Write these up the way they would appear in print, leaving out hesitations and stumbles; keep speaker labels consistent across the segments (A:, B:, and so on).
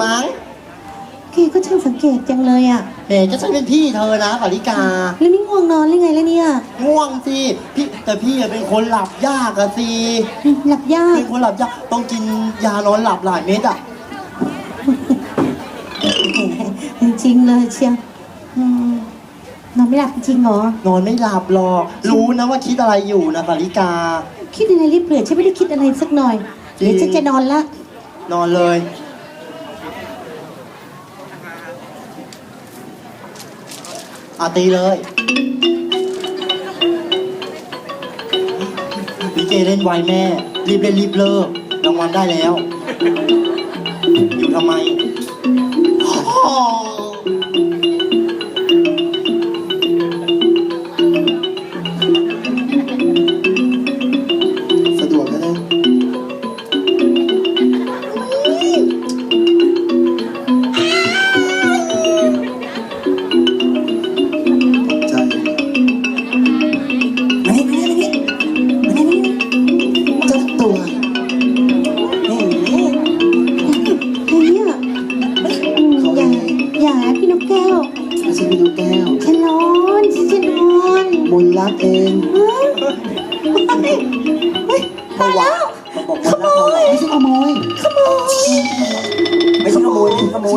A: มั้ง
B: แกก็ช่างสังเกตจังเลยอ่ะ
A: เฮ้ก็ฉันเป็นพี่เธอนะปาริกา
B: แล้วนี่ง่วงนอนหรือไงแล้วเนี่ย
A: ง่วงสิพี่แต่พี่เป็นคนหลับยากอะสิ
B: หลับยาก
A: เป็นคนหลับยากต้องกินยานอนหลับหลายเม็ดอะ
B: จริงๆเลยเชียงนอนไม่หลับจริงเหรอน
A: อนไม่หลับหรอกรู้นะว่าคิดอะไรอยู่นะปาริกา
B: คิดอะไรรีบเปลี่ยนฉันไม่ได้คิดอะไรสักหน่อยเดี๋ยวฉันจะนอนละ
A: นอนเลยตีเลยลิเกเล่นไวแม่รีบเล่นรีบเลิกรางวัลได้แล้วอยู่ทำไมสะดวกก็ได้มนรักเอง
B: พอแล้วขโมย
A: ไม่ใช่ขโมยไม่ใช่ขโมยขโมย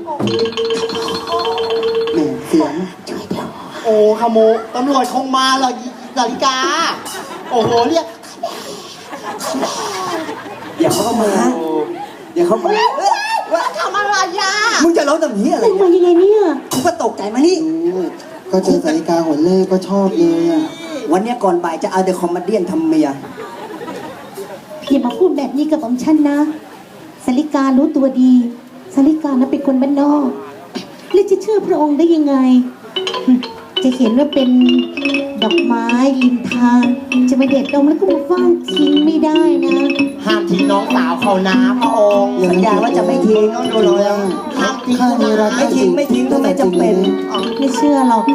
A: แหมเสียงโอ้ขโมยตำรวจคงมาหรอกนาฬิกาโอ้โหเรียกอย่าเข้ามาอย่าเข้ามา
B: ว่าทำอะไรอ่ะ
A: มึงจะร้องแบบนี้อะไร
B: มายังไงเนี่ย
A: กูก็ตกใจมานี่ก็เจอสาริกาหัวเล่ก็ชอบเลยอ่ะวันนี้ก่อนบ่ายจะเอาเดอะคอมเมดี้ทำเมีย
B: อย่ามาพูดแบบนี้กับผมฉันนะสาริการู้ตัวดีสาริกานะเป็นคนบ้านนอกแล้วจะเชื่อพระองค์ได้ยังไงจะเห็นว่าเป็นดอกไม้ริมทางจะมาเด็ดดมแล้วก็มาว่างทิ้งไม่ได้นะ
A: ห้ามทิ้งน้องสาวเขานะพระองค์สัญญาว่าจะไม่ทิ้งต้องดูเลยห้ามทิ้งไม่ทิ้งถ้าไม่จำเป็น
B: ไม่เชื่อหรอก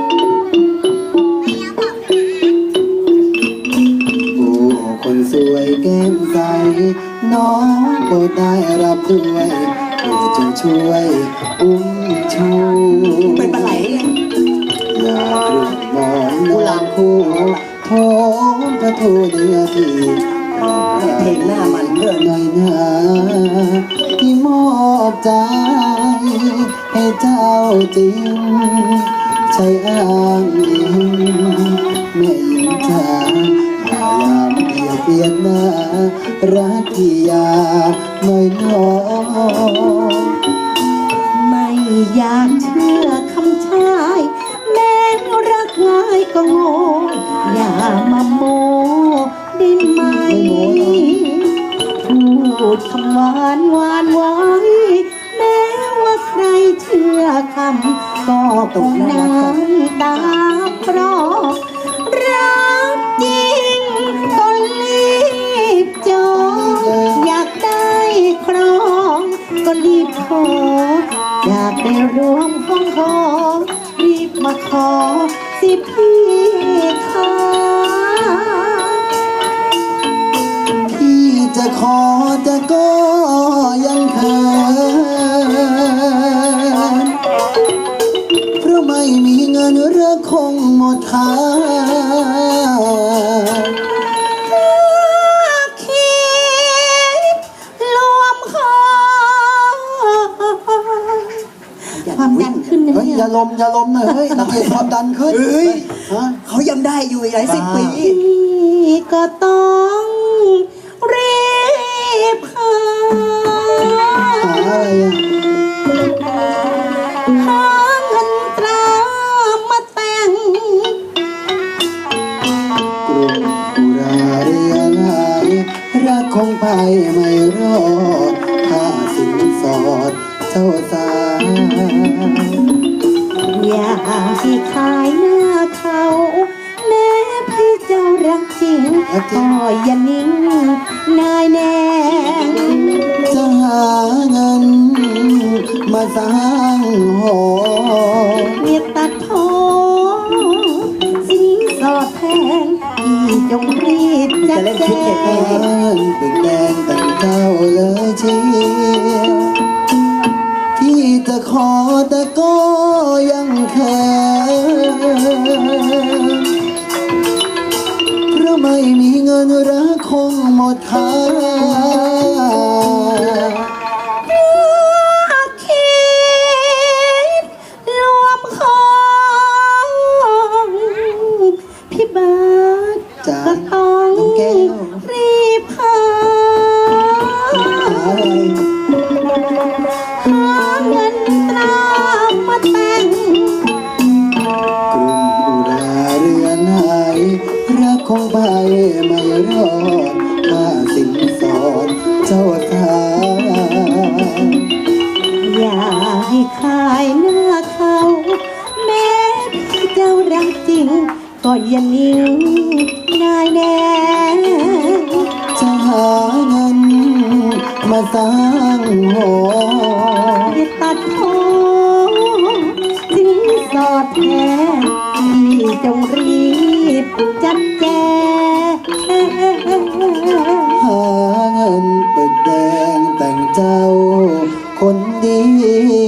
A: โอ้คนสวยแก้มใสน้องโปรดได้รับด้วยโปรดจงช่วยอุ้มชูเป็นปลาไหลอยากรูปมอนนอนคู่โทมพระทูเนื้อที่เพลงหน้ามันเลื่อนหน่อยนะที่มอบใจให้เจ้าจริงใช่อ้างอิงแม่หญิงจ๋าพยายามเบียดหน้ารักที่ยาหน่อยน้อง
B: ไม่อยากเชื่อคำชายแม้รักง่ายก็โง่อย่ามาโมได้ไหมพูดคำหวานไว้แม้ว่าใครเชื่อคำก็ตกน้ำตาคลอรักจริงก็รีบจองอยากได้ครองก็รีบขออยากได้รวมห้องหอรีบมาขอสิพี่ค่ะ
A: พี่จะขอจะก็ยังเขินเพราะไม่มีเงินเรือคงหมดค่า
B: ความดันขึ้นนะเนี่ย
A: อย่าลมนะเฮ้ยนักเรียนความดันขึ้นเขายังได้อยู่หลายสิบปี
B: ก็ต้องรีบหา
A: อะไร
B: หาเงินตรามาแต่ง
A: กรุงกุราเรียลายรักคงไปไม่รอดถ้าสินสอดเจ้าสาว
B: อยากที่ขายหน้าเขาแม้พี่เจ้ารักจริงก็อย่านิ่งนายแน่
A: จะหาเงินมาสร้างหอ
B: อย่าตัดท้อสินสอดแทนพี่จงรีบจัดแจง
A: เป็นแดงแต่งเจ้าเลยเชีย
B: คิดรวมของพี่เบิร์ด
A: จ๋า
B: ก็ต้อง
A: น้องแก้ว
B: รีบหา หาเงินตรามาแต่ง
A: กรุงอุราเรือนหายรักของใบไม่รอดค่าสินสอดเจ้าสาว
B: อย่าให้ขายหน้าเขาแม้พี่เจ้ารักจริง ก็อย่านิ่งนายแน่
A: จะหาเงินมาสร้างหอ
B: อย่าตัดคอสินสอดแท้พี่จงรีบจัดแจง
A: หาเงินปึกแดงแต่งเจ้าคนดี